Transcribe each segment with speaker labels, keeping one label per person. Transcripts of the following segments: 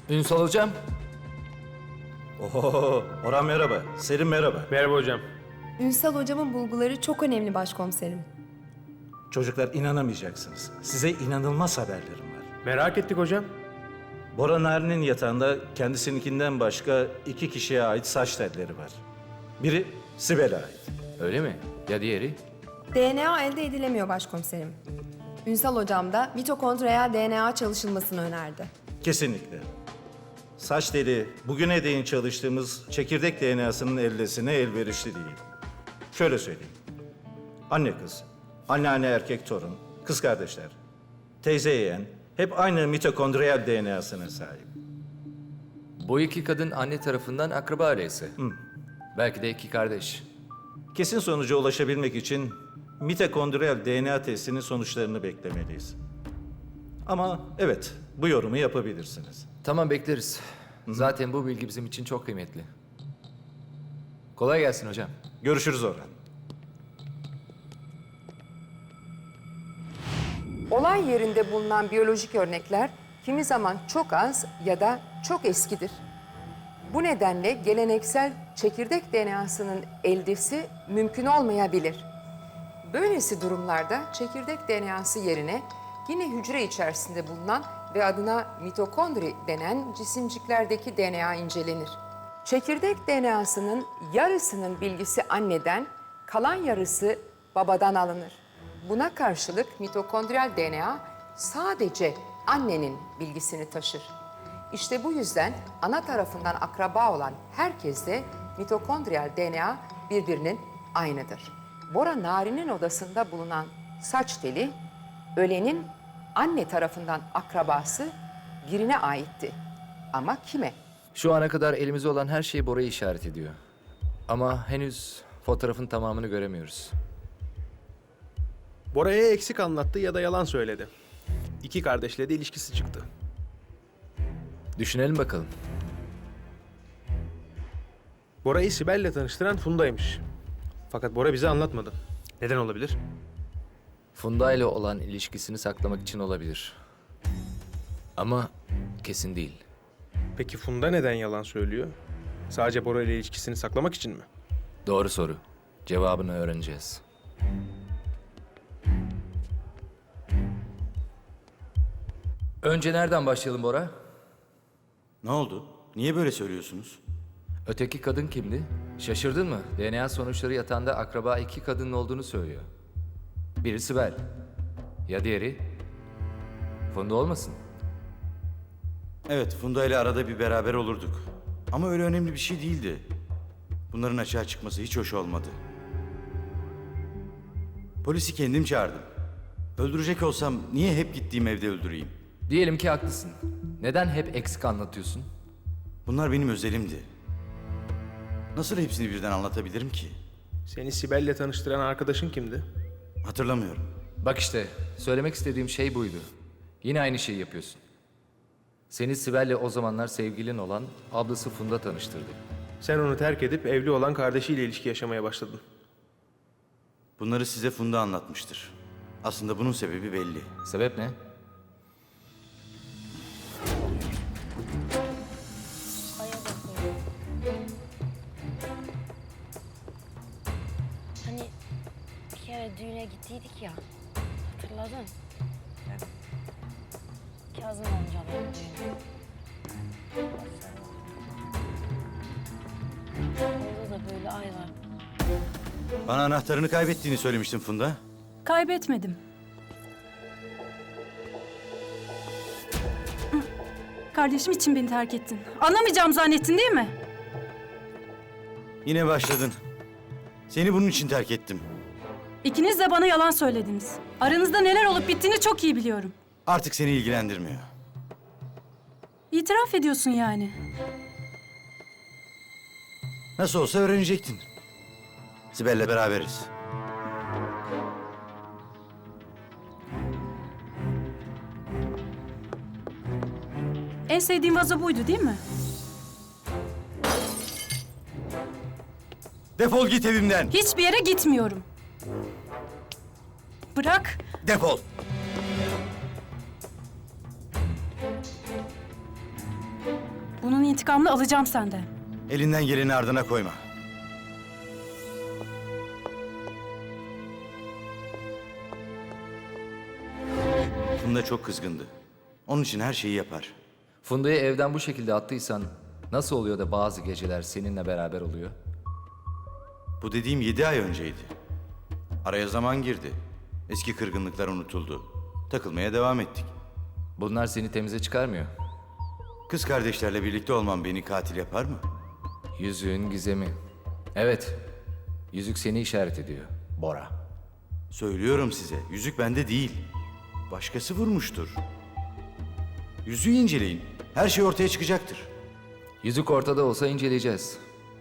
Speaker 1: Ünsal hocam.
Speaker 2: Oho, Orhan merhaba. Selim merhaba.
Speaker 3: Merhaba hocam.
Speaker 4: Ünsal hocamın bulguları çok önemli başkomiserim.
Speaker 2: Çocuklar inanamayacaksınız. Size inanılmaz haberlerim var.
Speaker 3: Merak ettik hocam.
Speaker 2: Bora Narin'in yatağında kendisininkinden başka 2 kişiye ait saç telleri var. Biri Sibel'e ait.
Speaker 1: Öyle mi? Ya diğeri?
Speaker 4: DNA elde edilemiyor başkomiserim. Ünsal hocam da mitokondriyal DNA çalışılmasını önerdi.
Speaker 2: Kesinlikle. Saç teli bugüne değin çalıştığımız çekirdek DNA'sının eldesine elverişli değil. Şöyle söyleyeyim. Anne kız, anneanne erkek torun, kız kardeşler, teyze yeğen hep aynı mitokondriyal DNA'sına sahip.
Speaker 1: Bu iki kadın anne tarafından akraba öyleyse. Belki de iki kardeş.
Speaker 2: Kesin sonuca ulaşabilmek için mitokondriyal DNA testinin sonuçlarını beklemeliyiz. Ama evet, bu yorumu yapabilirsiniz.
Speaker 1: Tamam, bekleriz. Zaten bu bilgi bizim için çok kıymetli. Kolay gelsin hocam.
Speaker 2: Görüşürüz Orhan.
Speaker 5: Olay yerinde bulunan biyolojik örnekler kimi zaman çok az ya da çok eskidir. Bu nedenle geleneksel çekirdek DNA'sının eldesi mümkün olmayabilir. Böylesi durumlarda çekirdek DNA'sı yerine yine hücre içerisinde bulunan ve adına mitokondri denen cisimciklerdeki DNA incelenir. Çekirdek DNA'sının yarısının bilgisi anneden, kalan yarısı babadan alınır. Buna karşılık mitokondriyal DNA sadece annenin bilgisini taşır. İşte bu yüzden ana tarafından akraba olan herkeste mitokondriyal DNA birbirinin aynıdır. Bora Narin'in odasında bulunan saç teli, ölenin anne tarafından akrabası birine aitti. Ama kime?
Speaker 1: Şu ana kadar elimizde olan her şey Bora'yı işaret ediyor. Ama henüz fotoğrafın tamamını göremiyoruz.
Speaker 3: Bora'ya eksik anlattı ya da yalan söyledi. İki kardeşle de ilişkisi çıktı.
Speaker 1: Düşünelim bakalım.
Speaker 3: Bora'yı Sibel'le tanıştıran Funda'ymış. Fakat Bora bize anlatmadı. Neden olabilir?
Speaker 1: Funda ile olan ilişkisini saklamak için olabilir. Ama kesin değil.
Speaker 3: Peki Funda neden yalan söylüyor? Sadece Bora ile ilişkisini saklamak için mi?
Speaker 1: Doğru soru. Cevabını öğreneceğiz. Önce nereden başlayalım Bora?
Speaker 6: Ne oldu? Niye böyle söylüyorsunuz?
Speaker 1: Öteki kadın kimdi? Şaşırdın mı? DNA sonuçları yatağında akraba iki kadının olduğunu söylüyor. Biri Sibel. Ya diğeri? Funda olmasın?
Speaker 6: Evet, Funda ile arada bir beraber olurduk. Ama öyle önemli bir şey değildi. Bunların açığa çıkması hiç hoş olmadı. Polisi kendim çağırdım. Öldürecek olsam niye hep gittiğim evde öldüreyim?
Speaker 1: Diyelim ki haklısın. Neden hep eksik anlatıyorsun?
Speaker 6: Bunlar benim özelimdi. Nasıl hepsini birden anlatabilirim ki?
Speaker 3: Seni Sibel'le tanıştıran arkadaşın kimdi?
Speaker 6: Hatırlamıyorum.
Speaker 1: Bak işte, söylemek istediğim şey buydu. Yine aynı şeyi yapıyorsun. Seni Sibel'le o zamanlar sevgilin olan ablası Funda tanıştırdı.
Speaker 3: Sen onu terk edip evli olan kardeşiyle ilişki yaşamaya başladın.
Speaker 6: Bunları size Funda anlatmıştır. Aslında bunun sebebi belli.
Speaker 1: Sebep ne?
Speaker 7: Hani bir kere düğüne gittiydik ya, hatırladın? Kazım amcaların düğünü. Orada da böyle ay var.
Speaker 6: Bana anahtarını kaybettiğini söylemiştin Funda.
Speaker 8: Kaybetmedim. Kardeşim için beni terk ettin. Anlamayacağım zannettin değil mi?
Speaker 6: Yine başladın. Seni bunun için terk ettim.
Speaker 8: İkiniz de bana yalan söylediniz. Aranızda neler olup bittiğini çok iyi biliyorum.
Speaker 6: Artık seni ilgilendirmiyor.
Speaker 8: İtiraf ediyorsun yani.
Speaker 6: Nasıl olsa öğrenecektin. Sibel'le beraberiz.
Speaker 8: En sevdiğim vazo buydu değil mi?
Speaker 6: Defol git evimden.
Speaker 8: Hiçbir yere gitmiyorum. Bırak.
Speaker 6: Defol.
Speaker 8: intikamını alacağım senden.
Speaker 6: Elinden geleni ardına koyma. Funda çok kızgındı. Onun için her şeyi yapar.
Speaker 1: Funda'yı evden bu şekilde attıysan nasıl oluyor da bazı geceler seninle beraber oluyor?
Speaker 6: Bu dediğim 7 ay önceydi. Araya zaman girdi. Eski kırgınlıklar unutuldu. Takılmaya devam ettik.
Speaker 1: Bunlar seni temize çıkarmıyor.
Speaker 6: Kız kardeşlerle birlikte olmam beni katil yapar mı?
Speaker 1: Yüzüğün gizemi. Evet, yüzük seni işaret ediyor, Bora.
Speaker 6: Söylüyorum size, yüzük bende değil. Başkası vurmuştur. Yüzüğü inceleyin. Her şey ortaya çıkacaktır.
Speaker 1: Yüzük ortada olsa inceleyeceğiz.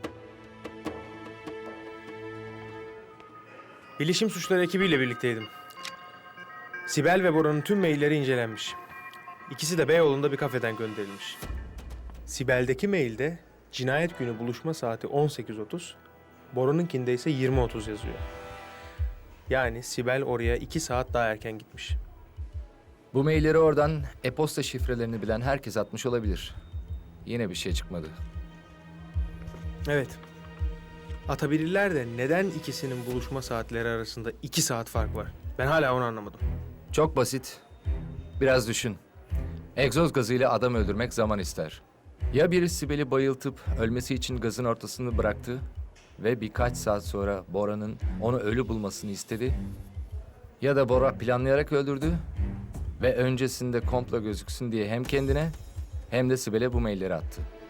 Speaker 3: Bilişim suçları ekibiyle birlikteydim. Sibel ve Bora'nın tüm mailleri incelenmiş. İkisi de Beyoğlu'nda bir kafeden gönderilmiş. Sibel'deki mailde cinayet günü buluşma saati 18.30, Bora'nınkinde ise 20.30 yazıyor. Yani Sibel oraya 2 saat daha erken gitmiş.
Speaker 1: Bu mailleri oradan e-posta şifrelerini bilen herkes atmış olabilir. Yine bir şey çıkmadı.
Speaker 3: Evet. Atabilirler de neden ikisinin buluşma saatleri arasında 2 saat fark var? Ben hala onu anlamadım.
Speaker 1: Çok basit. Biraz düşün. Egzoz gazıyla adam öldürmek zaman ister. Ya biri Sibel'i bayıltıp ölmesi için gazın ortasını bıraktı ve birkaç saat sonra Bora'nın onu ölü bulmasını istedi. Ya da Bora planlayarak öldürdü ve öncesinde komplo gözüksün diye hem kendine hem de Sibel'e bu mailleri attı.